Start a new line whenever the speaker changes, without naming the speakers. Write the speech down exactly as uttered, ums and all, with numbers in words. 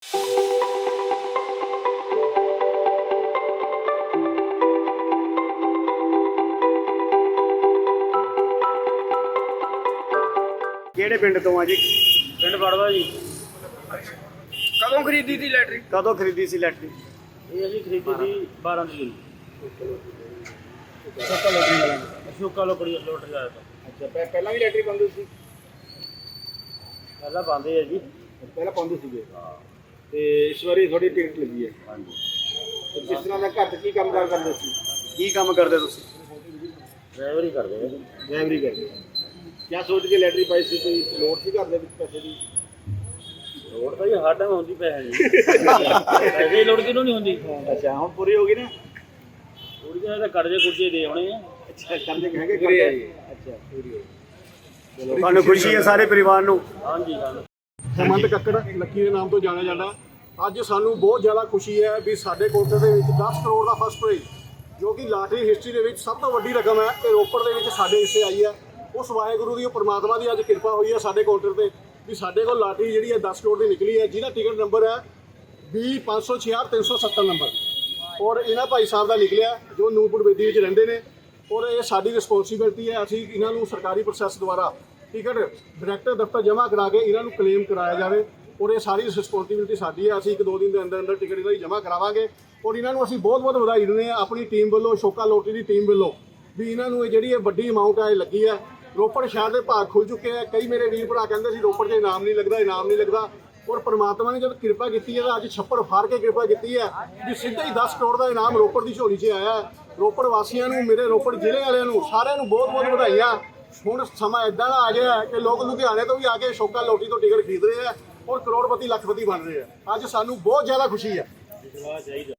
ਕਿਹੜੇ ਪਿੰਡ ਤੋਂ ਆ ਜੀ?
ਪਿੰਡ ਵੜਵਾ ਜੀ।
ਕਦੋਂ ਖਰੀਦੀ ਸੀ ਲੈਟਰੀ?
ਕਦੋਂ ਖਰੀਦੀ ਸੀ ਲੈਟਰੀ?
ਇਹ ਅਸੀਂ ਖਰੀਦੀ ਸੀ ਬਾਰਾਂ ਤਰੀਕ
ਸੱਤਾ ਲੋਟਰੀ ਵਾਲਾ।
ਅਸ਼ੋਕਾ ਲੋਕੜੀ ਲੋਟਰੀ ਆਇਆ ਤਾਂ।
ਅੱਛਾ, ਪਹਿਲਾਂ ਵੀ ਲੈਟਰੀ ਪਾਉਂਦੇ ਸੀ?
ਪਹਿਲਾਂ ਪਾਉਂਦੇ ਆ ਜੀ।
ਪਹਿਲਾਂ ਪਾਉਂਦੇ ਸੀਗੇ ਤੇ ਇਸ ਵਾਰੀ ਤੁਹਾਡੀ ਟਿਕਟ ਲੱਗੀ ਹੈ।
ਹਾਂਜੀ।
ਤੇ ਕਿਸ ਤਰ੍ਹਾਂ ਦਾ ਘਰ 'ਚ ਕੀ ਕੰਮ ਕਾਰ ਕਰਦੇ ਸੀ?
ਕੀ ਕੰਮ ਕਰਦੇ ਤੁਸੀਂ?
ਡਰਾਈਵਰ ਹੀ ਕਰਦੇ ਆ।
ਡਰਾਈਵਰੀ ਕਰਦੇ। ਕਿਆ ਸੋਚ ਕੇ ਲੈਟਰੀ ਪਾਈ ਸੀ? ਕੋਈ ਲੋੜ ਸੀ ਘਰ ਦੇ ਵਿੱਚ ਪੈਸੇ ਦੀ?
ਲੋੜ ਤਾਂ ਜੀ ਹਰ ਟਾਈਮ ਹੁੰਦੀ ਪੈਸੇ ਦੀ। ਪੈਸੇ ਦੀ ਲੋੜ ਕਿਹਨੂੰ ਨਹੀਂ ਹੁੰਦੀ?
ਅੱਛਾ, ਹੁਣ ਪੂਰੀ ਹੋ ਗਈ ਨਾ?
ਥੋੜੀ ਜਿਹੀ ਤਾਂ ਕਰਜ਼ੇ ਕੁਰਜ਼ੇ ਦੇ ਆਉਣੇ ਆ।
ਅੱਛਾ, ਕਰਜ਼ੇ ਹੈਗੇ ਪੂਰੀ ਆ ਜੀ। ਅੱਛਾ, ਪੂਰੀ ਹੋ ਗਈ।
ਤੁਹਾਨੂੰ ਖੁਸ਼ੀ ਹੈ ਸਾਰੇ ਪਰਿਵਾਰ ਨੂੰ?
ਹਾਂਜੀ ਸਾਨੂੰ
ਹੇਮੰਤ ਕੱਕੜ ਲੱਕੀ ਦੇ ਨਾਮ ਤੋਂ ਜਾਣਿਆ ਜਾਂਦਾ। ਅੱਜ ਸਾਨੂੰ ਬਹੁਤ ਜ਼ਿਆਦਾ ਖੁਸ਼ੀ ਹੈ ਵੀ ਸਾਡੇ ਕੋਟੇ ਦੇ ਵਿੱਚ ਦਸ ਕਰੋੜ ਦਾ ਫਸਟ ਪ੍ਰਾਈਜ਼, ਜੋ ਕਿ ਲਾਟਰੀ ਹਿਸਟਰੀ ਦੇ ਵਿੱਚ ਸਭ ਤੋਂ ਵੱਡੀ ਰਕਮ ਹੈ, ਇਹ ਰੋਪੜ ਦੇ ਵਿੱਚ ਸਾਡੇ ਹਿੱਸੇ ਆਈ ਹੈ। ਉਸ ਵਾਹਿਗੁਰੂ ਦੀ, ਉਹ ਪਰਮਾਤਮਾ ਦੀ ਅੱਜ ਕਿਰਪਾ ਹੋਈ ਹੈ ਸਾਡੇ ਕਾਊਂਟਰ ਤੇ ਵੀ ਸਾਡੇ ਕੋਲ ਲਾਟਰੀ ਜਿਹੜੀ ਹੈ ਦਸ ਕਰੋੜ ਦੀ ਨਿਕਲੀ ਹੈ, ਜਿਹਦਾ ਟਿਕਟ ਨੰਬਰ ਹੈ ਵੀਹ ਪੰਜ ਸੌ ਛਿਆਹਠ ਤਿੰਨ ਸੌ ਸੱਤਰ ਨੰਬਰ। ਔਰ ਇਹਨਾਂ ਭਾਈ ਸਾਹਿਬ ਦਾ ਨਿਕਲਿਆ ਜੋ ਨੂਰਪੁਰ ਬੇਦੀ ਵਿੱਚ ਰਹਿੰਦੇ ਨੇ। ਔਰ ਇਹ ਸਾਡੀ ਰਿਸਪੌਂਸਿਬਿਲਟੀ ਹੈ, ਅਸੀਂ ਇਹਨਾਂ ਨੂੰ ਸਰਕਾਰੀ ਪ੍ਰੋਸੈਸ ਦੁਆਰਾ ਟਿਕਟ ਡਾਇਰੈਕਟਰ ਦਫ਼ਤਰ ਜਮ੍ਹਾਂ ਕਰਾ ਕੇ ਇਹਨਾਂ ਨੂੰ ਕਲੇਮ ਕਰਾਇਆ ਜਾਵੇ। ਔਰ ਇਹ ਸਾਰੀ ਰਿਸਪੌਂਸਿਬਿਲਟੀ ਸਾਡੀ ਹੈ। ਅਸੀਂ ਇੱਕ ਦੋ ਦਿਨ ਦੇ ਅੰਦਰ ਅੰਦਰ ਟਿਕਟ ਇਹਨਾਂ ਦੀ ਜਮ੍ਹਾਂ ਕਰਾਵਾਂਗੇ। ਔਰ ਇਹਨਾਂ ਨੂੰ ਅਸੀਂ ਬਹੁਤ ਬਹੁਤ ਵਧਾਈ ਦਿੰਦੇ ਹਾਂ ਆਪਣੀ ਟੀਮ ਵੱਲੋਂ, ਅਸ਼ੋਕਾ ਲੋਟਰੀ ਦੀ ਟੀਮ ਵੱਲੋਂ, ਵੀ ਇਹਨਾਂ ਨੂੰ ਇਹ ਜਿਹੜੀ ਇਹ ਵੱਡੀ ਅਮਾਊਂਟ ਹੈ ਇਹ ਲੱਗੀ ਹੈ। ਰੋਪੜ ਸ਼ਹਿਰ ਦੇ ਭਾਗ ਖੁੱਲ ਚੁੱਕੇ ਆ। ਕਈ ਮੇਰੇ ਵੀਰ ਭਰਾ ਕਹਿੰਦੇ ਸੀ ਰੋਪੜ 'ਚ ਇਨਾਮ ਨਹੀਂ ਲੱਗਦਾ, ਇਨਾਮ ਨਹੀਂ ਲੱਗਦਾ। ਔਰ ਪਰਮਾਤਮਾ ਨੇ ਜਦ ਕਿਰਪਾ ਕੀਤੀ ਹੈ ਤਾਂ ਅੱਜ ਛੱਪੜ ਫਾੜ ਕੇ ਕਿਰਪਾ ਕੀਤੀ ਹੈ ਵੀ ਸਿੱਧਾ ਹੀ ਦਸ ਕਰੋੜ ਦਾ ਇਨਾਮ ਰੋਪੜ ਦੀ ਝੋਲੀ 'ਚ ਆਇਆ ਹੈ। ਰੋਪੜ ਵਾਸੀਆਂ ਨੂੰ, ਮੇਰੇ ਰੋਪੜ ਜ਼ਿਲ੍ਹੇ ਵਾਲਿਆਂ ਨੂੰ, ਸਾਰਿਆਂ ਨੂੰ ਬਹੁਤ ਬਹੁਤ ਵਧਾਈਆਂ। ਹੁਣ ਸਮਾਂ ਇਦਾਂ ਦਾ ਆ ਗਿਆ ਕਿ ਲੋਕ ਲੁਧਿਆਣੇ ਤੋਂ ਵੀ ਆ ਕੇ ਅਸ਼ੋਕਾ ਲੋਟਰੀ ਤੋਂ ਟਿਕਟ ਖਰੀਦ ਰਹੇ ਆ ਔਰ ਕਰੋੜਪਤੀ ਲੱਖਪਤੀ ਬਣ ਰਹੇ ਆ। ਅੱਜ ਸਾਨੂੰ ਬਹੁਤ ਜ਼ਿਆਦਾ ਖੁਸ਼ੀ ਹੈ।